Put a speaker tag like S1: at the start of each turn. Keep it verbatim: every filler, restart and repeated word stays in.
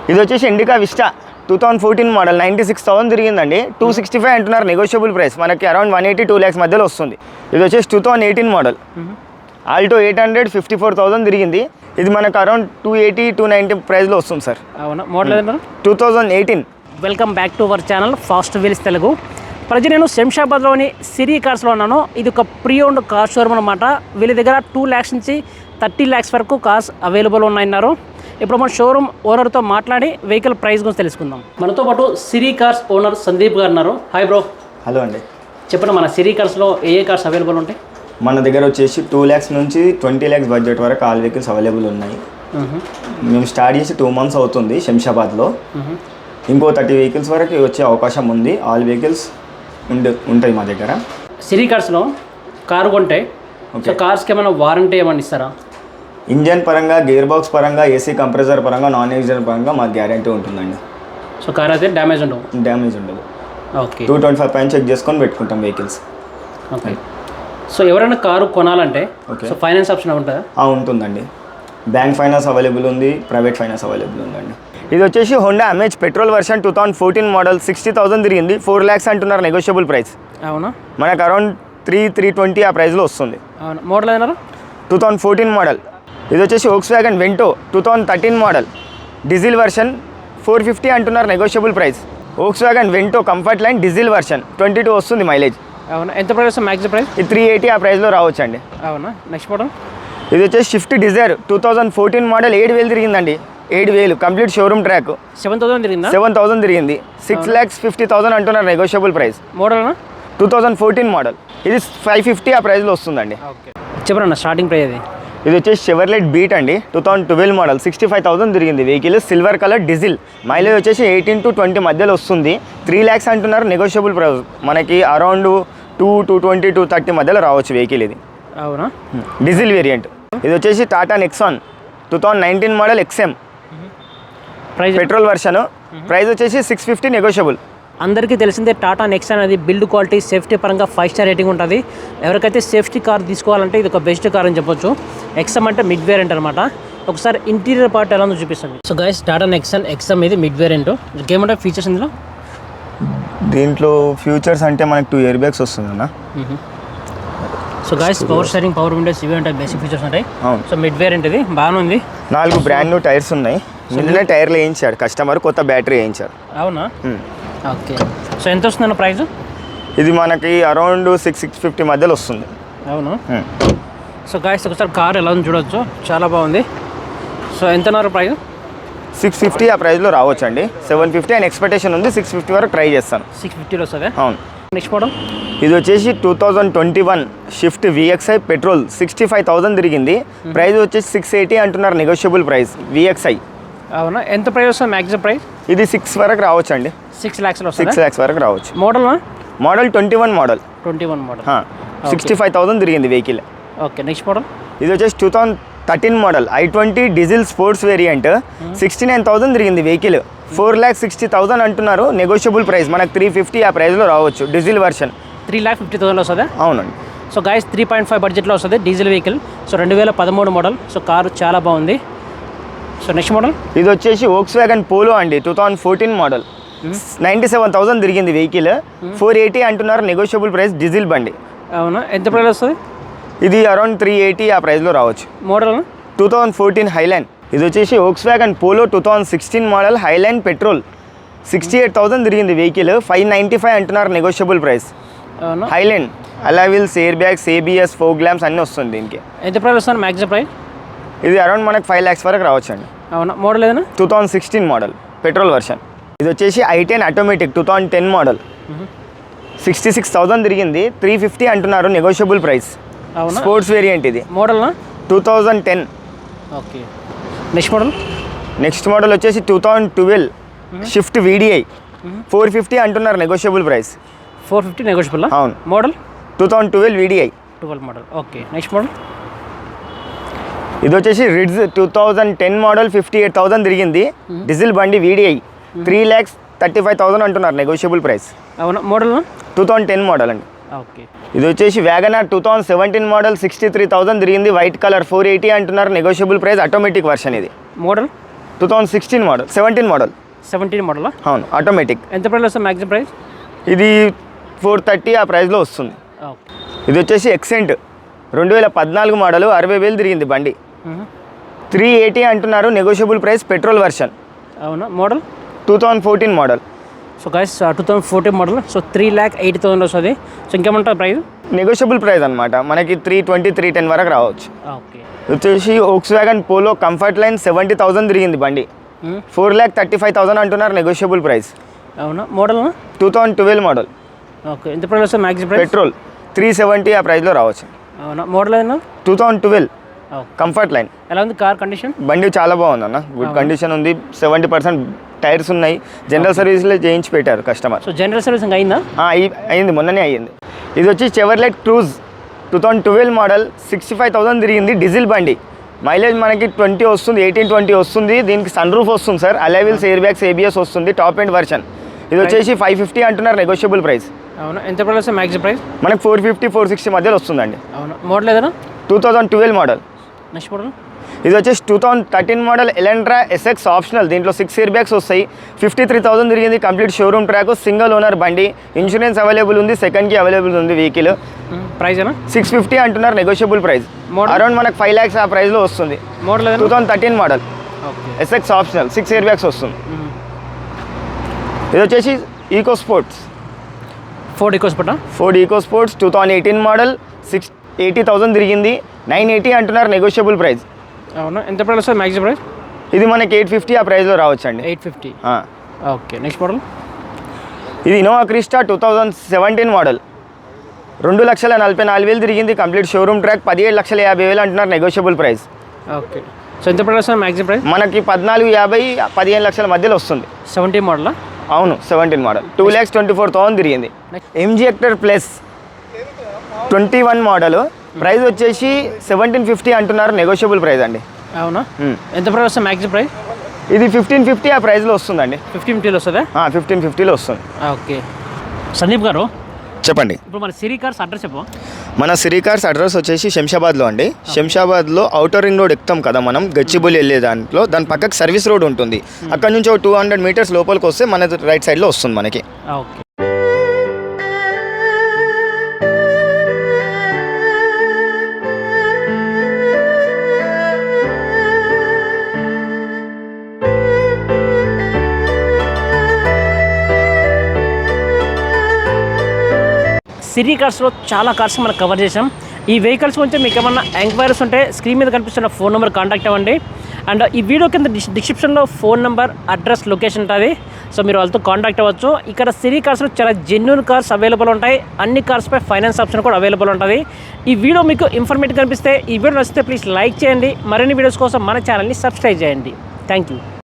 S1: ఇది వచ్చేసి Indica Vista two thousand fourteen model ninety six thousand తిరిగిందండి. టూ సిక్స్టీ ఫైవ్ అంటున్నారు నెగోషియబుల్ ప్రైస్, మనకి around one eighty two lakhs మధ్యలో వస్తుంది. ఇది వచ్చేసి two thousand eighteen model Alto eight hundred fifty four thousand తిరిగింది. ఇది మనకు around two eighty two ninety ప్రైస్లో వస్తుంది సార్.
S2: అవునా, model
S1: two thousand eighteen.
S2: Welcome back to our channel Fast Wheels Telugu. Present నేను శంషాబాద్లోని సిరి కార్స్లో ఉన్నాను. ఇది ఒక ప్రీ ఓన్డ్ కార్ షోరూమ్ అనమాట. వీళ్ళ దగ్గర టూ ల్యాక్స్ నుంచి థర్టీ ల్యాక్స్ వరకు కార్స్ అవైలబుల్ ఉన్నాయన్నారు. ఇప్పుడు మన షోరూమ్ ఓనర్తో మాట్లాడి వెహికల్ ప్రైస్ గురించి తెలుసుకుందాం. మనతో పాటు సిరి కార్స్ ఓనర్ సందీప్ గారు ఉన్నారు. Hi bro.
S1: హలో అండి.
S2: చెప్పండి, మన సిరి కార్స్లో ఏ ఏ కార్స్ అవైలబుల్ ఉంటాయి?
S1: మన దగ్గర వచ్చేసి టూ ల్యాక్స్ నుంచి ట్వంటీ ల్యాక్స్ బడ్జెట్ వరకు ఆల్ వెహికల్స్ అవైలబుల్ ఉన్నాయి. మేము స్టార్ట్ చేసి టూ మంత్స్ అవుతుంది శంషాబాద్లో. ఇంకో థర్టీ వెహికల్స్ వరకు వచ్చే అవకాశం ఉంది. ఆల్ వెహికల్స్ ఉండే ఉంటాయి మా దగ్గర.
S2: సిరి కార్స్లో కారు కొంటే కార్స్కి ఏమైనా వారంటీ ఏమైనా ఇస్తారా?
S1: ఇంజన్ పరంగా, గేర్ బాక్స్ పరంగా, ఏసీ కంప్రెసర్ పరంగా, నాన్ ఏసీ పరంగా మాకు గ్యారంటీ ఉంటుందండి.
S2: సో కార్ అయితే డ్యామేజ్ ఉండవు?
S1: డ్యామేజ్ ఉండదు.
S2: ఓకే.
S1: టూ ట్వంటీ ఫైవ్ పైన చెక్ చేసుకొని పెట్టుకుంటాం వెహికల్స్.
S2: ఓకే. సో ఎవరైనా కారు కొనాలంటే సో ఫైనాన్స్ ఆప్షన్ ఉంటుందా?
S1: ఉంటుందండి. బ్యాంక్ ఫైనాన్స్ అవైలబుల్ ఉంది, ప్రైవేట్ ఫైనాన్స్ అవైలబుల్ ఉందండి. ఇది వచ్చేసి Honda Amaze petrol version two thousand fourteen model sixty thousand తిరిగింది. ఫోర్ ల్యాక్స్ అంటున్నారు నెగోషియబుల్ ప్రైస్.
S2: అవునా,
S1: మనకు అరౌండ్ త్రీ త్రీ ట్వంటీ ఆ ప్రైస్లో వస్తుంది.
S2: అవునా, మోడల్ ఏదన్నారు?
S1: Two thousand fourteen model. ఇది వచ్చేసి Volkswagen Vento two thousand thirteen model diesel version four fifty అంటున్నారు negotiable price. Volkswagen Vento comfort line diesel version twenty two వస్తుంది mileage.
S2: అవునా, ఎంత ప్రైస్ మ్యాక్సిమం ప్రైస్?
S1: ఇది three eighty ఆ ప్రైస్లో రావచ్చు అండి.
S2: అవునా. నెక్స్ట్ మోడల్
S1: ఇది వచ్చేసి Swift Dzire two thousand fourteen model ఏడు వేలు తిరిగిందండి. ఏడు వేలు complete showroom track.
S2: Seven thousand తిరిగిందా?
S1: Seven thousand తిరిగింది. సిక్స్ ల్యాక్స్ ఫిఫ్టీ థౌసండ్ అంటున్నారు negotiable price.
S2: Model
S1: two thousand fourteen model. ఇది ఫైవ్ ఫిఫ్టీ ఆ ప్రైస్లో వస్తుందండి.
S2: ఓకే, చెప్పరన్న స్టార్టింగ్ ప్రైస్ అది.
S1: ఇది వచ్చేసి షెవర్లెట్ బీట్ అండి two thousand twelve model sixty five thousand తిరిగింది vehicle. Silver colour diesel, mileage వచ్చేసి ఎయిటీన్ టు ట్వంటీ మధ్యలో వస్తుంది. త్రీ ల్యాక్స్ అంటున్నారు నెగోషియబుల్ ప్రైస్. మనకి around two two twenty two thirty మధ్యలో రావచ్చు వెహికల్. ఇది
S2: అవునా,
S1: డీజిల్ వేరియంట్. ఇది వచ్చేసి Tata Nexon two thousand nineteen model XM
S2: price
S1: petrol version. Price వచ్చేసి సిక్స్ ఫిఫ్టీ నెగోషియబుల్.
S2: అందరికీ తెలిసిందే టాటా నెక్సాన్ అనేది బిల్డ్ క్వాలిటీ, సేఫ్టీ పరంగా ఫైవ్ స్టార్ రేటింగ్ ఉంటుంది. ఎవరికైతే సేఫ్టీ కార్ తీసుకోవాలంటే ఇది ఒక బెస్ట్ కార్ అని చెప్పొచ్చు. ఎక్సమ్ అంటే మిడ్ వేరియంట్ అనమాట. ఒకసారి ఇంటీరియర్ పార్ట్ ఎలా ఉందో చూపిస్తుంది. So guys, Tata Nexon XM ఇది మిడ్ వేరియంట్. ఏమంటే ఫీచర్స్ ఇందులో?
S1: దీంట్లో ఫ్యూచర్స్ అంటే మనకి టూ ఇయర్ బ్యాగ్స్ వస్తుంది అన్న.
S2: So guys, power steering, power windows ఇవి ఉంటాయి, బేసిక్ ఫీచర్స్ ఉంటాయి. సో మిడ్ వేరియంట్ ఇది బాగానే ఉంది. నాలుగు బ్రాండ్ న్యూ టైర్స్ ఉన్నాయి. నిన్ననే టైర్లు వేయించాడు కస్టమర్, కొత్త బ్యాటరీ వేయించారు. అవునా, ఓకే. సో ఎంత వస్తుందన్న ప్రైస్? ఇది మనకి అరౌండ్ సిక్స్ సిక్స్ ఫిఫ్టీ మధ్యలో వస్తుంది. అవును. సో గాయస్, ఒకసారి కార్ ఎలా ఉంది చూడవచ్చు, చాలా బాగుంది. సో ఎంత అన్నారు ప్రైస్? సిక్స్ ఫిఫ్టీ ఆ ప్రైస్లో రావచ్చు అండి. సెవెన్ ఫిఫ్టీ అండ్ ఎక్స్పెక్టేషన్ ఉంది. సిక్స్ ఫిఫ్టీ వరకు ట్రై చేస్తాను. సిక్స్ ఫిఫ్టీలో వస్తుంది. అవును. నెక్స్ట్ మోడల్ ఇది వచ్చేసి two thousand twenty one Swift VXI petrol sixty five thousand తిరిగింది. ప్రైస్ వచ్చేసి సిక్స్ ఎయిటీ అంటున్నారు నెగోషియబుల్ ప్రైస్. విఎక్స్ఐ. అవునా, ఎంత ప్రైస్ వస్తుంది మ్యాక్సిమం ప్రైస్? ఇది సిక్స్ వరకు రావచ్చు అండి. సిక్స్ ల్యాక్స్లో సిక్స్ ల్యాక్స్ వరకు రావచ్చు. Model model twenty one model twenty one model sixty five thousand తిరిగింది వెహికల్. ఓకే. నెక్స్ట్ మోడల్ ఇది వచ్చేసి two thousand thirteen model i twenty diesel sports variant sixty nine thousand తిరిగింది vehicle. Four lakh sixty thousand అంటున్నారు negotiable price. మనకు three fifty ఆ ప్రైస్లో రావచ్చు. Diesel version three lakh fifty thousand వస్తుంది. అవునండి. So guys, three point five బడ్జెట్లో వస్తుంది డీజిల్ వెహికల్. సో రెండు వేల పదమూడు మోడల్. సో కారు చాలా బాగుంది. సో నెక్స్ట్ మోడల్ ఇది వచ్చేసి వోక్స్ వ్యాగన్ పోలో అండి two thousand fourteen model ninety seven thousand తిరిగింది వెహికల్. ఫోర్ ఎయిటీ అంటున్నారు నెగోషియబుల్ ప్రైస్. డీజిల్ బండి. అవునా, ఎంత ప్రైస్ వస్తుంది? ఇది అరౌండ్ త్రీ ఎయిటీ ఆ ప్రైస్లో రావచ్చు. Model two thousand fourteen Highline. ఇది వచ్చేసి Volkswagen Polo two thousand sixteen model Highline petrol sixty eight thousand తిరిగింది వెహికల్. ఫైవ్ నైంటీ ఫైవ్ అంటున్నారు negotiable price. Highline alloy wheels, air bags, ABS, fog lamps అన్నీ వస్తుంది దీనికి. ఎంత ప్రైస్ వస్తుంది maximum price? ఇది అరౌండ్ మనకు ఫైవ్ ల్యాక్స్ వరకు రావచ్చు అండి. అవునా, మోడల్ ఏదైనా? Two thousand sixteen model petrol version. ఇది వచ్చేసి i ten automatic two thousand ten model sixty six thousand తిరిగింది. త్రీ ఫిఫ్టీ అంటున్నారు నెగోషియబుల్ ప్రైస్. స్పోర్ట్స్ వేరియంట్ ఇది. Model two thousand ten. Okay. Next model next model వచ్చేసి two thousand twelve Swift VDI four fifty అంటున్నారు negotiable price. Four fifty negotiable. అవును. Model two thousand twelve VDI. Twelve model. Okay. Next model ఇది వచ్చేసి Ritz two thousand ten model fifty eight thousand తిరిగింది. Diesel బండి VDI. Three lakhs thirty five thousand అంటున్నారు negotiable price. అవునా, model two thousand ten model అండి. Okay. ఇది వచ్చేసి Wagon R two thousand seventeen model sixty three thousand తిరిగింది. వైట్ కలర్ ఫోర్ ఎయిటీ అంటున్నారు negotiable price. Automatic version ఇది. Model
S1: two thousand sixteen model seventeen model
S2: seventeen model
S1: అవును automatic.
S2: ఎంత price వస్తుంది maximum price?
S1: ఇది ఫోర్ థర్టీ ఆ ప్రైస్లో వస్తుంది.
S2: ఓకే.
S1: ఇది వచ్చేసి ఎక్సెంట్ రెండు వేల పద్నాలుగు మోడల్, అరవై వేలు తిరిగింది బండి. త్రీ ఎయిటీ అంటున్నారు, నెగోషియబుల్ ప్రైస్, పెట్రోల్ వర్షన్.
S2: అవునా? Model
S1: two thousand fourteen model.
S2: So guys two thousand fourteen model. So three lakh eighty thousand వస్తుంది. సో ఇంకేమంటారు ప్రైస్?
S1: నెగోషియబుల్ ప్రైస్ అనమాట, మనకి త్రీ ట్వంటీ త్రీ టెన్ వరకు రావచ్చు.
S2: ఓకే.
S1: వచ్చేసి Volkswagen Polo comfort line seventy thousand తిరిగింది బండి. Four lakh thirty five thousand అంటున్నారు, నెగోషియబుల్ ప్రైస్.
S2: అవునా? Model
S1: two thousand twelve model.
S2: Okay. ఎంత ప్రైస్ వస్తుంది maximum price?
S1: Petrol three seventy ఆ ప్రైస్లో రావచ్చు.
S2: అవునా? మోడల్ ఏదన్నా?
S1: Two thousand twelve comfort line.
S2: ఎలా ఉంది కార్ కండిషన్?
S1: బండి చాలా బాగుంది అన్న, గుడ్ కండిషన్ ఉంది. సెవెంటీ పర్సెంట్ టైర్స్ ఉన్నాయి. జనరల్ సర్వీస్లో చేయించి పెట్టారు కస్టమర్.
S2: సో జనరల్ సర్వీసింగ్ అయిందా?
S1: అయింది, మొన్ననే అయ్యింది. ఇది వచ్చి Chevrolet Cruze two thousand twelve model, sixty five thousand తిరిగింది, డీజిల్ బండి. మైలేజ్ మనకి ట్వంటీ వస్తుంది, ఎయిటీన్ ట్వంటీ వస్తుంది. దీనికి సన్ రూఫ్ వస్తుంది sir, alloy wheels, air bags, ABS వస్తుంది, టాప్ ఎండ్ వర్షన్. ఇది వచ్చేసి ఫైవ్ ఫిఫ్టీ అంటున్నారు, నెగోషియబుల్ ప్రైస్.
S2: అవునా? ఎంత ప్రైస్ వస్తుంది మ్యాక్సిమం ప్రైస్?
S1: మనకి ఫోర్ ఫిఫ్టీ ఫోర్ సిక్స్టీ మధ్యలో వస్తుందండి.
S2: అవునా? మోడల్ ఏదైనా?
S1: Two thousand twelve model.
S2: Next model
S1: ఇది వచ్చేసి two thousand thirteen model Elantra SX optional. దీంట్లో సిక్స్ ఇయర్ బ్యాగ్స్ వస్తాయి. ఫిఫ్టీ త్రీ థౌసండ్ తిరిగింది, complete showroom track, single owner బండి. ఇన్సూరెన్స్ అవైలబుల్ ఉంది, సెకండ్కి అవైలబుల్ ఉంది వెహికల్.
S2: ప్రైస్ ఏనా? సిక్స్
S1: ఫిఫ్టీ అంటున్నారు, నెగోషియబుల్ ప్రైస్. అరౌండ్ మనకు ఫైవ్ ల్యాక్స్ ఆ ప్రైస్లో వస్తుంది.
S2: Model
S1: two thousand thirteen model SX optional, six air bags వస్తుంది. ఇది వచ్చేసి Eco Sports,
S2: Ford Eco Sport.
S1: Ford Eco Sports two thousand eighteen model, six eighty thousand తిరిగింది, nine eighty అంటున్నారు, negotiable price.
S2: అవునా? ఎంత ప్రైస్ వస్తుంది మ్యాక్సిమం ప్రైస్?
S1: ఇది మనకి ఎయిట్ ఫిఫ్టీ ఆ ప్రైస్లో రావచ్చు అండి.
S2: Eight fifty okay. Next model
S1: ఇది Innova Crysta two thousand seventeen model, రెండు లక్షల నలభై నాలుగు వేలు తిరిగింది, కంప్లీట్ షోరూమ్ ట్రాక్, పదిహేడు లక్షల యాభై వేలు అంటున్నారు, నెగోషియబుల్ ప్రైస్.
S2: ఓకే. సో ఎంత ప్రైస్ వస్తుంది మ్యాక్సిమం ప్రైస్?
S1: మనకి పద్నాలుగు యాభై పదిహేను లక్షల మధ్యలో వస్తుంది.
S2: Seventeen model.
S1: అవును, seventeen model, two lakhs twenty four thousand తిరిగింది. MG Hector Plus twenty one model, price వచ్చేసి సెవెంటీన్ ఫిఫ్టీ అంటున్నారు, నెగోషియబుల్ ప్రైస్ అండి.
S2: అవునా? ఎంత ప్రైస్ వస్తుంది మ్యాక్సిమం ప్రైస్?
S1: ఇది ఫిఫ్టీన్ ఫిఫ్టీ ఆ ప్రైస్లో వస్తుందండి.
S2: ఫిఫ్టీన్ ఫిఫ్టీలో వస్తుందా?
S1: ఫిఫ్టీన్ ఫిఫ్టీలో వస్తుంది.
S2: ఓకే. సందీప్ గారు
S1: చెప్పండి.
S2: ఇప్పుడు మన సిరి కార్స్ అడ్రస్ చెప్పు.
S1: మన సిరి కార్స్ అడ్రస్ వచ్చేసి శంషాబాద్లో అండి. శంషాబాద్లో అవుటర్ రింగ్ రోడ్ ఎక్కుతాం కదా మనం, గచ్చిబౌలి వెళ్ళే దాంట్లో, దాని పక్కకి సర్వీస్ రోడ్ ఉంటుంది. అక్కడ నుంచి ఒక టూ హండ్రెడ్ మీటర్స్ లోపలికి వస్తే మన రైట్ సైడ్లో వస్తుంది మనకి.
S2: ఓకే. సిరి కార్స్లో చాలా కార్స్ మనం కవర్ చేసాం. ఈ వెహికల్స్ గురించి మీకు ఏమన్నా ఎంక్వైరీస్ ఉంటే స్క్రీన్ మీద కనిపిస్తున్న ఫోన్ నెంబర్ కాంటాక్ట్ అవ్వండి. అండ్ ఈ వీడియో కింద డిస్క్రిప్షన్లో ఫోన్ నెంబర్, అడ్రస్, లొకేషన్ ఉంటుంది. సో మీరు వాళ్ళతో కాంటాక్ట్ అవ్వచ్చు. ఇక్కడ సిరి కార్స్లో చాలా జెన్యూన్ కార్స్ అవైలబుల్ ఉంటాయి. అన్ని కార్స్పై ఫైనాన్స్ ఆప్షన్ కూడా అవైలబుల్ ఉంటుంది. ఈ వీడియో మీకు ఇన్ఫర్మేటివ్ కనిపిస్తే, ఈ వీడియో నచ్చితే ప్లీజ్ లైక్ చేయండి. మరిన్ని వీడియోస్ కోసం మన ఛానల్ని సబ్స్క్రైబ్ చేయండి. Thank you.